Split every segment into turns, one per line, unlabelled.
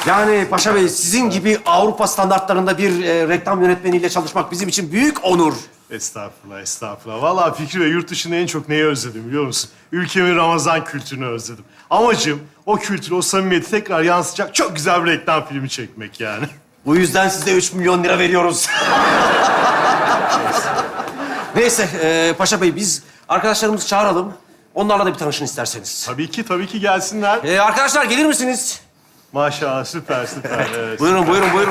Yani Paşa Bey, sizin gibi Avrupa standartlarında bir reklam yönetmeniyle çalışmak bizim için büyük onur.
Estağfurullah, estağfurullah. Vallahi Fikri Bey, yurt dışında en çok neyi özledim biliyor musun? Ülkemin Ramazan kültürünü özledim. Amacım o kültürü, o samimiyeti tekrar yansıtacak çok güzel bir reklam filmi çekmek yani.
Bu yüzden size 3 milyon lira veriyoruz. Neyse Paşa Bey, biz arkadaşlarımızı çağıralım. Onlarla da bir tanışın isterseniz.
Tabii ki gelsinler.
Arkadaşlar gelir misiniz?
Maşallah, süper, süper. Evet.
Buyurun.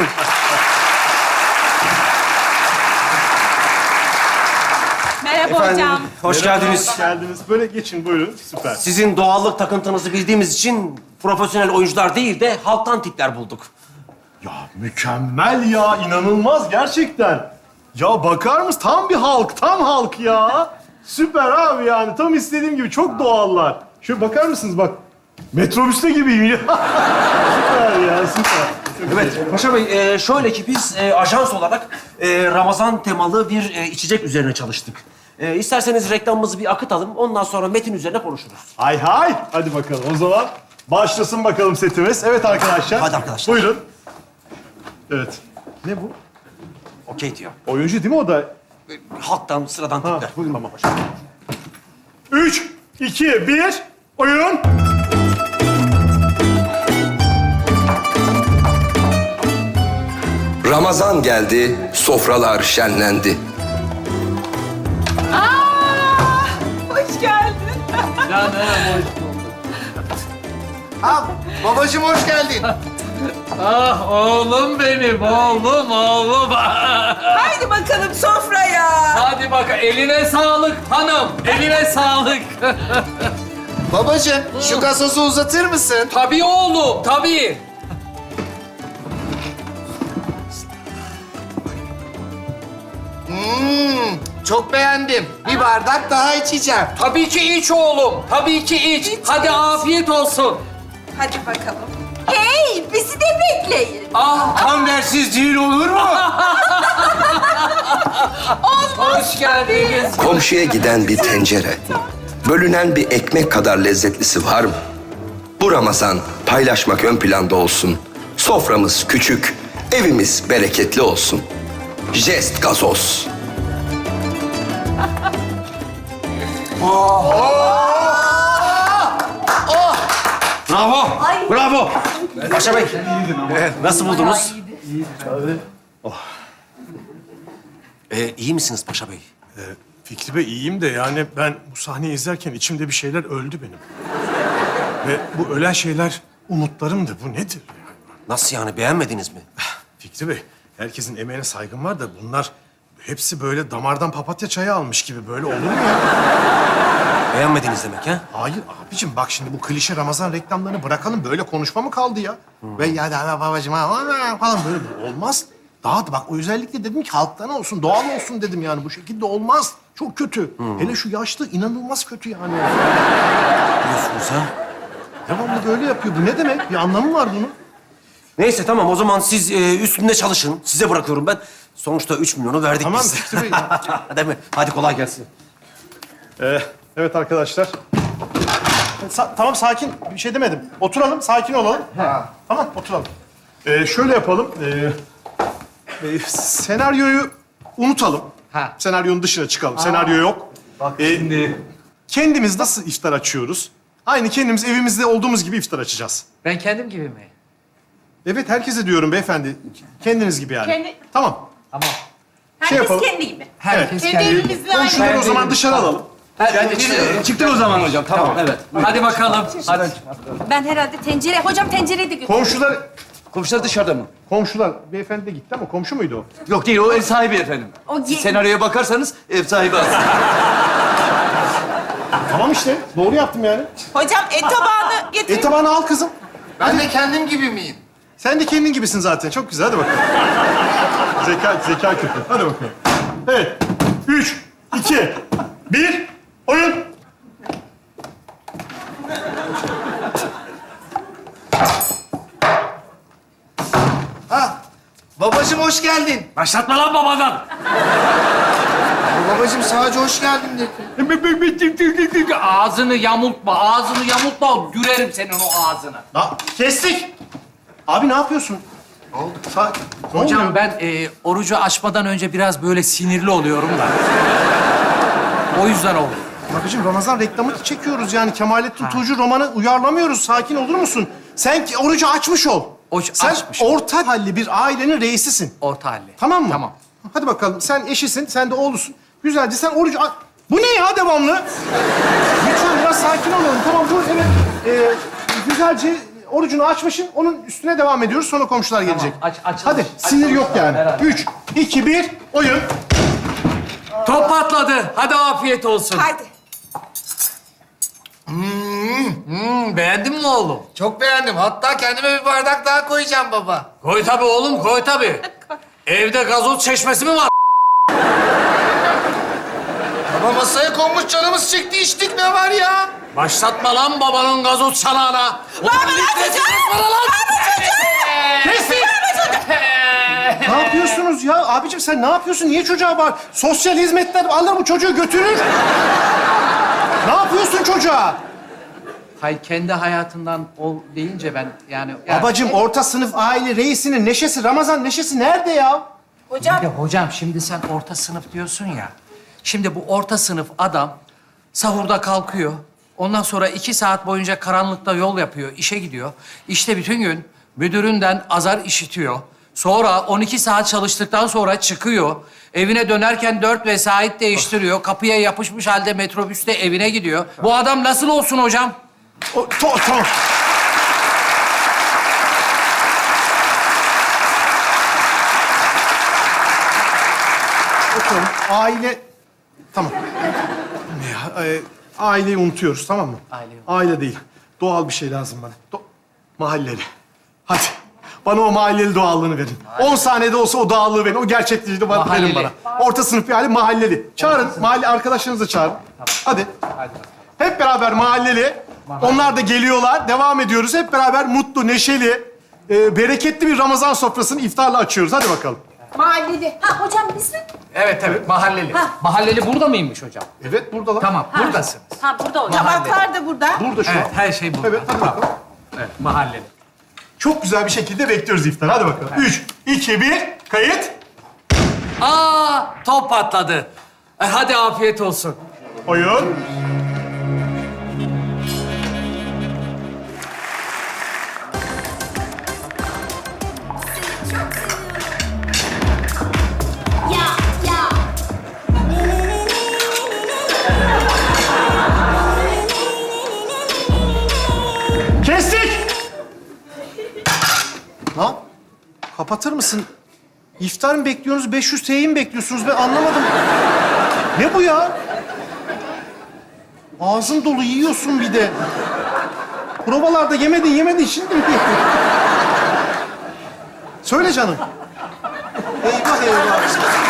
Merhaba
Efendim,
hocam.
hoş
Merhaba,
geldiniz.
Hoş geldiniz. Böyle geçin, buyurun. Süper.
Sizin doğallık takıntınızı bildiğimiz için profesyonel oyuncular değil de halktan tipler bulduk.
Ya mükemmel ya, inanılmaz gerçekten. Ya bakar mısın? Tam halk ya. Süper abi yani, tam istediğim gibi. Çok doğallar. Şöyle bakar mısınız bak. Metrobüste gibiyim ya. Süper ya, süper.
Evet, Paşa Bey, şöyle ki biz ajans olarak Ramazan temalı bir içecek üzerine çalıştık. İsterseniz reklamımızı bir akıtalım, ondan sonra metin üzerine konuşuruz.
Hay hay. Hadi bakalım o zaman. Başlasın bakalım setimiz. Evet arkadaşlar.
Hadi arkadaşlar.
Buyurun. Evet. Ne bu?
Okey diyor.
Oyuncu değil mi o da?
Halktan, sıradan
Ha,
tipler.
buyurun. Tamam. 3, 2, 1, oyun.
Ramazan geldi, sofralar şenlendi.
Hoş geldin.
Babacığım hoş geldin.
Ah oğlum benim, oğlum.
Haydi bakalım sofraya.
Hadi bak, eline sağlık hanım, eline sağlık.
Babacığım şu gazozu uzatır mısın?
Tabii oğlum, tabii.
Çok beğendim. Bir bardak daha içeceğim.
Tabii ki iç oğlum, tabii ki iç. Hadi afiyet olsun.
Hadi bakalım. Hey, bizi de bekleyin.
Tam dersiz düğün olur mu?
Hoş geldiniz.
Komşuya giden bir tencere, bölünen bir ekmek kadar lezzetlisi var mı? Bu Ramazan paylaşmak ön planda olsun. Soframız küçük, evimiz bereketli olsun. Jest gazoz.
Bravo, bravo. Paşa Bey, nasıl buldunuz? İyi misiniz Paşa Bey?
Fikri Bey iyiyim de yani ben bu sahneyi izlerken içimde bir şeyler öldü benim. Ve bu ölen şeyler umutlarımdı. Bu nedir?
Nasıl yani, beğenmediniz mi?
Fikri Bey, herkesin emeğine saygım var da bunlar hepsi böyle damardan papatya çayı almış gibi. Böyle olur mu ya?
Beğenmediniz demek ha?
Hayır abicim, bak şimdi bu klişe Ramazan reklamlarını bırakalım. Böyle konuşma mı kaldı ya? Ve ya da babacığım falan böyle olmaz. Daha da bak, o özellikle dedim ki halktan olsun, doğal olsun dedim yani. Bu şekilde olmaz. Çok kötü. Hele şu yaşlı inanılmaz kötü yani.
Diyorsunuz ha?
Devamlı böyle yapıyor. Bu ne demek? Bir anlamı var bunun.
Neyse tamam, o zaman siz üstünde çalışın. Size bırakıyorum ben. Sonuçta 3 milyonu verdik
Tamam
biz.
Fikri Bey.
Değil mi? Hadi kolay gelsin.
Evet arkadaşlar. Tamam, sakin. Bir şey demedim. Oturalım, sakin olalım. Tamam, oturalım. Şöyle yapalım. Senaryoyu unutalım. Senaryonun dışına çıkalım. Senaryo yok. Bak şimdi. Kendimiz nasıl iftar açıyoruz? Aynı kendimiz evimizde olduğumuz gibi iftar açacağız.
Ben kendim gibi mi?
Evet, herkese diyorum beyefendi. Kendiniz gibi yani. Tamam.
Tamam.
Herkes
yapalım.
kendi gibi.
Herkes
Kendi
kendi.
evimizde aynı.
Komşuları o zaman dışarı alalım.
Çıktık o zaman hocam, tamam. Evet. Hadi bakalım, hadi.
Ben herhalde tencere... Hocam tencereyi de götür.
Komşular dışarıda mı?
Komşular, beyefendi de gitti ama komşu muydu o?
Yok değil, o ev sahibi efendim. Siz senaryoya bakarsanız ev sahibi aslında.
Tamam işte, doğru yaptım yani.
Hocam et tabağını getir.
Tabağını al kızım.
Ben de kendim gibi miyim?
Sen de kendin gibisin zaten. Çok güzel. Hadi bakalım. Zeka küpü. Hadi bakalım. Evet. 3, 2, 1, oyun.
Babacığım hoş geldin.
Başlatma lan babadan.
Babacığım sadece hoş geldin dedi.
Ağzını yamultma, ağzını yamultma. Gürerim senin o ağzını.
Kestik. Abi ne yapıyorsun? Ne oldu? Ne
Hocam
oluyor?
ben orucu açmadan önce biraz böyle sinirli oluyorum da. O yüzden oldu.
Babacığım Ramazan reklamı çekiyoruz yani. Kemalettin Tuğcu romanı uyarlamıyoruz. Sakin olur musun? Sen orucu açmış ol. Sen
Açmış.
orta halli bir ailenin reisisin.
Orta halli.
Tamam mı?
Tamam.
Hadi bakalım. Sen eşisin, sen de oğlusun. Güzelce sen orucu... Bu ne ya devamlı? Lütfen biraz sakin olalım. Tamam dur, evet. Güzelce orucunu açmışsın. Onun üstüne devam ediyoruz. Sonra komşular gelecek.
açılış.
Hadi, sinir yok yani. 3, 2, 1, oyun.
Top patladı. Hadi afiyet olsun.
Haydi.
Beğendin mi oğlum?
Çok beğendim. Hatta kendime bir bardak daha koyacağım baba.
Koy tabii oğlum, koy tabii. Evde gazoz çeşmesi mi var?
Baba masaya konmuş canımız çekti içtik ne var ya?
Başlatma lan babanın gazoz çanağına.
Kestik! Ne yapıyorsunuz ya? Abicim sen ne yapıyorsun? Niye çocuğa bağır? Sosyal hizmetler alır bu çocuğu götürür. Ne yapıyorsun çocuğa?
Hayır, kendi hayatından ol deyince ben yani...
Babacığım orta sınıf aile reisinin neşesi, Ramazan neşesi nerede ya?
Hocam.
Ya hocam şimdi sen orta sınıf diyorsun ya. Şimdi bu orta sınıf adam sahurda kalkıyor. Ondan sonra 2 saat boyunca karanlıkta yol yapıyor, işe gidiyor. İşte bütün gün müdüründen azar işitiyor. Sonra 12 saat çalıştıktan sonra çıkıyor. Evine dönerken 4 vesait değiştiriyor. Kapıya yapışmış halde metrobüste evine gidiyor. Bu adam nasıl olsun hocam?
Tamam. Bakalım aile... Tamam. Ne ya? Aileyi unutuyoruz tamam mı? Aile değil. Doğal bir şey lazım bana. Mahalleli. Hadi. Bana o mahalleli doğallığını verin. 10 saniyede olsa o doğallığı verin. O gerçekliği de verin
Mahalleli.
bana. Orta sınıf bir aile mahalleli. Çağırın. Mahalle arkadaşlarınızı çağırın. Hadi. Hep beraber mahalleli. Onlar da geliyorlar. Devam ediyoruz. Hep beraber mutlu, neşeli, bereketli bir Ramazan sofrasını iftarla açıyoruz. Hadi bakalım.
Mahalleli. Ha hocam biz mi?
Evet, mahalleli. Mahalleli burada mıymış hocam?
Evet, buradalar.
Tamam, buradasınız.
Ha burada hocam. Tabaklar da burada.
Burada şu an.
Evet, her şey burada.
Evet, hadi bakalım.
Evet, mahalleli.
Çok güzel bir şekilde bekliyoruz iftar. Hadi bakalım. 3, 2, 1, kayıt.
Top patladı. Hadi afiyet olsun.
Oyun.
Ya ya.
Kestik. Lan, kapatır mısın? İftar mı bekliyorsunuz, 500 TL'yi mi bekliyorsunuz? Ben anlamadım. Ne bu ya? Ağzın dolu yiyorsun bir de. Provalarda yemedin şimdi mi? Söyle canım. Eyvah eyvah.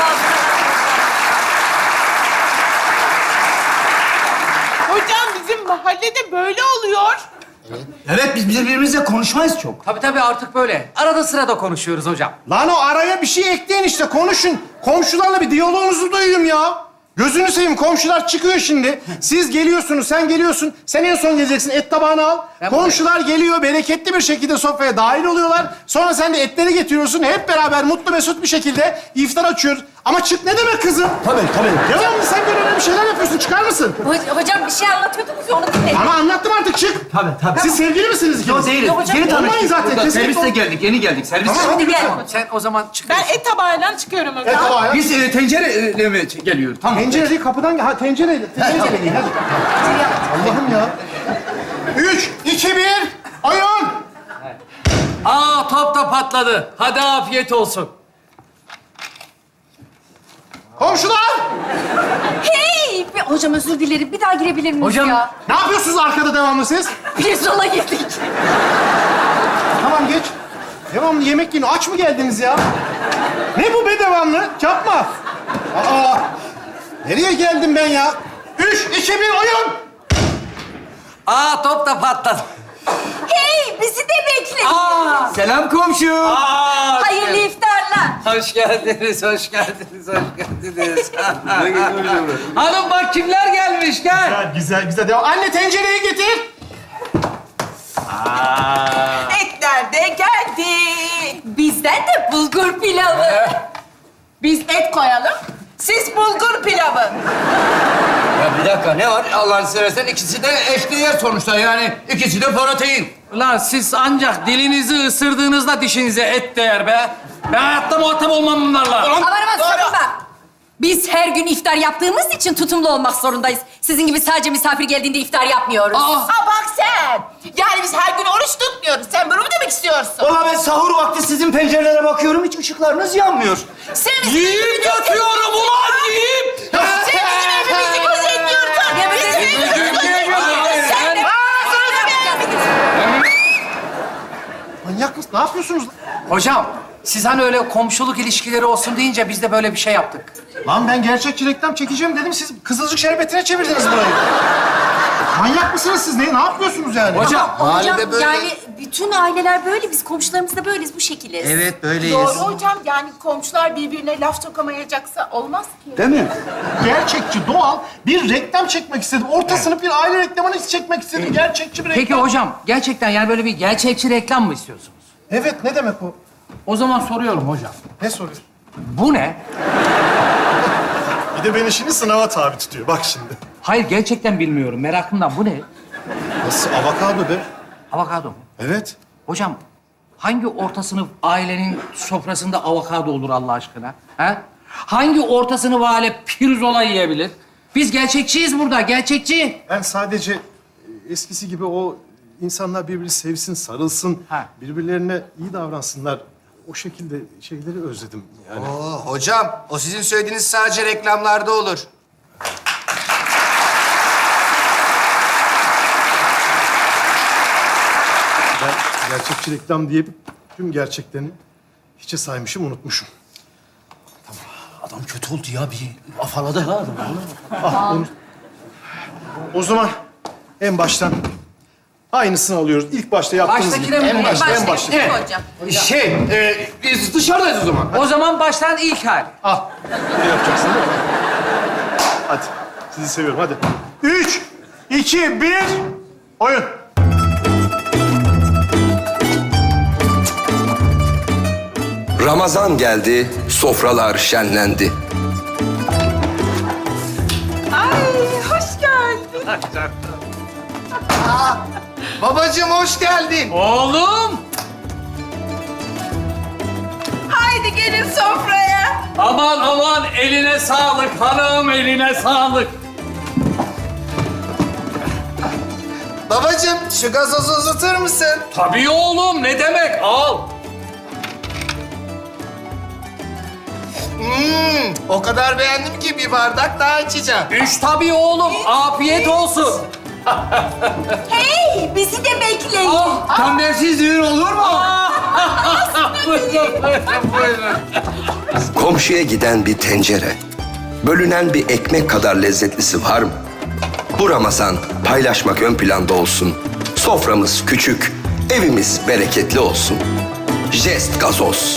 Hocam bizim mahallede böyle oluyor.
Evet, biz birbirimizle konuşmayız çok.
Tabii artık böyle. Arada sırada konuşuyoruz hocam.
Lan o araya bir şey ekleyin işte, konuşun. Komşularla bir diyaloğunuzu duyayım ya. Gözünü seveyim, komşular çıkıyor şimdi. Siz geliyorsunuz, sen geliyorsun. Sen en son geleceksin, et tabağını al.
Ben
Komşular geliyor, bereketli bir şekilde sofraya dahil oluyorlar. Sonra sen de etleri getiriyorsun. Hep beraber mutlu mesut bir şekilde iftar açıyoruz. Ama çık ne demek kızım?
Tabii.
Devamlı sen böyle bir şeyler yapıyorsun, çıkar mısın?
Hocam bir şey anlatıyordunuz ya onu dinledim.
Ama anlattım artık, çık.
Tabii.
Siz sevgili misiniz ikiniz?
Yok değiliz.
Yok hocam,
Yeni
olmayın
tanıştık.
zaten,
Burada
kesinlikle
Servisle
ol-
geldik, yeni geldik. Servisle.
Tamam,
Hadi gel.
Sen o zaman
Ben
çıkıyorsun.
et tabağıyla çıkıyorum hocam.
Et tabağı.
Biz tencereyle mi geliyoruz? Tamam.
Tencere değil, kapıdan gel. Ha, tencereyle. Tencereyle değil, hadi. Allah'ım ya. 3, 2, 1, oyun.
Top da patladı. Hadi afiyet olsun.
Komşular!
Hey! Hocam özür dilerim. Bir daha girebilir miyiz
Hocam-
ya?
Ne yapıyorsunuz arkada devamlı siz?
Pirzola yedik.
Tamam geç. Devamlı yemek yiyin. Aç mı geldiniz ya? Ne bu be devamlı? Yapma. Aa! Nereye geldim ben ya? 3, 2, 1, oyun!
Top da patladı.
Hey! Bizi de bekle.
Selam komşu.
Hayırlı iftarlar.
Hoş geldiniz, hoş geldiniz, hoş geldiniz. Hanım bak kimler gelmiş, gel.
Güzel. Devam. Anne tencereyi getir.
Etler de geldi.
Bizden de bulgur pilavı.
Biz et koyalım. Siz bulgur pilavı.
Ya bir dakika ne var? Allah'ını seversen ikisi de eşdeğer sonuçta yani. İkisi de protein.
Ulan siz ancak dilinizi ısırdığınızda dişinize et değer be. Ben hayatta muhatap olmam bunlarla.
Aman sakınma. Biz her gün iftar yaptığımız için tutumlu olmak zorundayız. Sizin gibi sadece misafir geldiğinde iftar yapmıyoruz.
Aa bak sen. Yani biz her gün oruç tutmuyoruz. Sen bunu mu demek istiyorsun?
Ulan ben sahur vakti sizin pencerelere bakıyorum. Hiç ışıklarınız yanmıyor.
Sen bizim
Yiyip yatıyorum ulan yiyip.
Sen bizim evimizi gözetliyorsun.
Ya bizim
Manyak mısın? Ne yapıyorsunuz?
Hocam siz hani öyle komşuluk ilişkileri olsun deyince biz de böyle bir şey yaptık.
Lan ben gerçekçi reklam çekeceğim dedim. Siz kızılcık şerbetine çevirdiniz burayı. Manyak mısınız siz? Ne yapıyorsunuz yani?
Hocam.
Mahallede böyle...
Yani bütün aileler böyle, biz komşularımız da böyleyiz, bu şekiliz.
Evet böyleyiz.
Doğru hocam. Yani komşular birbirine laf sokamayacaksa olmaz ki.
Değil mi?
Gerçekçi, doğal bir reklam çekmek istedim. Orta sınıf bir aile reklamını çekmek istedim. Gerçekçi bir reklam.
Peki hocam gerçekten yani böyle bir gerçekçi reklam mı istiyorsunuz?
Evet, ne demek o?
O zaman soruyorum hocam.
Ne soruyorsun?
Bu ne?
Bir de beni şimdi sınava tabi tutuyor. Bak şimdi.
Hayır gerçekten bilmiyorum merakımdan. Bu ne?
Nasıl? Avokado be.
Avokado mu?
Evet.
Hocam hangi orta sınıf ailenin sofrasında avokado olur Allah aşkına? Ha? Hangi orta sınıf aile pirzola yiyebilir? Biz gerçekçiyiz burada, gerçekçi.
Ben sadece eskisi gibi o insanlar birbirini sevsin, sarılsın,
Ha.
birbirlerine iyi davransınlar. O şekilde şeyleri özledim yani.
Oo, hocam o sizin söylediğiniz sadece reklamlarda olur.
Ben gerçekçi reklam diye tüm gerçeklerini hiçe saymışım, unutmuşum.
Adam kötü oldu ya. Bir afaladı ha adam.
O zaman en baştan aynısını alıyoruz. İlk başta yaptığımız gibi.
Baştakine mi?
En başta, en başta.
Evet. Hocam.
Biz dışarıdayız o zaman.
O zaman baştan ilk hali.
Al. Ne yapacaksın değil mi? Hadi. Sizi seviyorum. Hadi. 3, 2, 1. Oyun.
Ramazan geldi, sofralar şenlendi.
Ay hoş geldin.
Babacığım hoş geldin.
Oğlum!
Haydi gelin sofraya.
Aman aman eline sağlık hanım, eline sağlık.
Babacığım şu gazozu uzatır mısın?
Tabii oğlum, ne demek? Al.
O kadar beğendim ki bir bardak daha içeceğim.
Üç tabii oğlum, afiyet olsun.
Hey, bizi de bekleyin.
Kambersiz düğün olur mu?
Buyurun, buyurun, buyurun.
Komşuya giden bir tencere, bölünen bir ekmek kadar lezzetlisi var mı? Bu Ramazan paylaşmak ön planda olsun. Soframız küçük, evimiz bereketli olsun. Jest gazoz.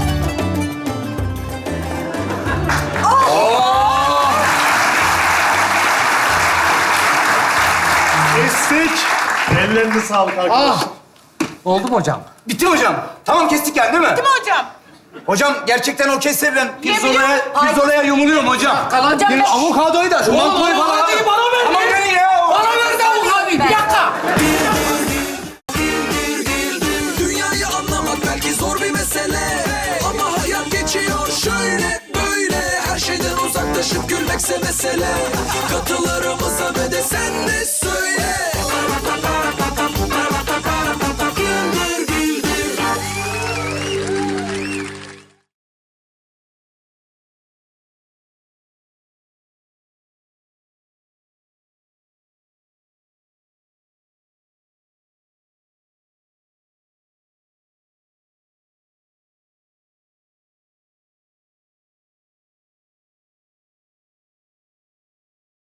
Kestik. Ellerinize sağlık arkadaşlar.
Oldu mu hocam?
Bitti hocam. Tamam kestik yani değil mi?
Değil mi hocam?
Hocam gerçekten o kestirilen
Yemin
pirzolaya yumuluyorum hocam.
Hocam,
Gelin avokadoyu da şu mantoyu falan.
avokadoyu bana ver.
Aman verin ya.
Bana ver de avokadoyu, bir dakika.
Dünyayı anlamak belki zor bir mesele, ama hayat geçiyor şöyle böyle. Her şeyden uzaklaşıp gülmekse mesele. Katılırım